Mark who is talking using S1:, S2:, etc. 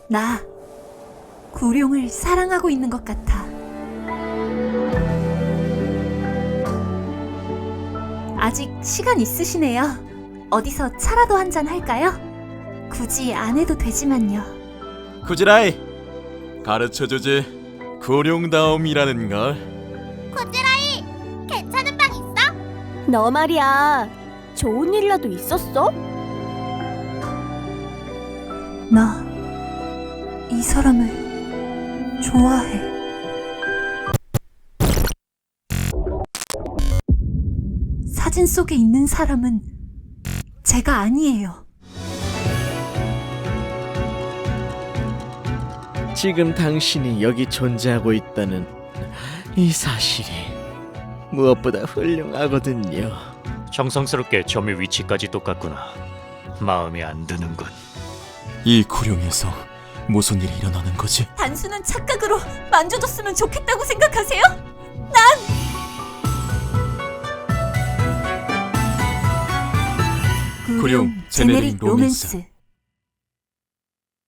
S1: 나 구룡을 사랑하고 있는 것 같아. 아직 시간 있으시네요. 어디서 차라도 한잔 할까요? 굳이 안 해도 되지만요.
S2: 쿠지라이, 가르쳐주지. 구룡다움이라는 걸.
S3: 코지라이, 괜찮은 방 있어?
S4: 너 말이야, 좋은 일이라도 있었어?
S1: 나 이 사람을 좋아해. 사진 속에 있는 사람은 제가 아니에요.
S5: 지금 당신이 여기 존재하고 있다는 이 사실이 무엇보다 훌륭하거든요.
S6: 정성스럽게 점의 위치까지 똑같구나. 마음에 안 드는군.
S2: 이 구룡에서 무슨 일이 일어나는 거지?
S1: 단순한 착각으로 만져줬으면 좋겠다고 생각하세요?
S2: 구룡 제네릭 로맨스.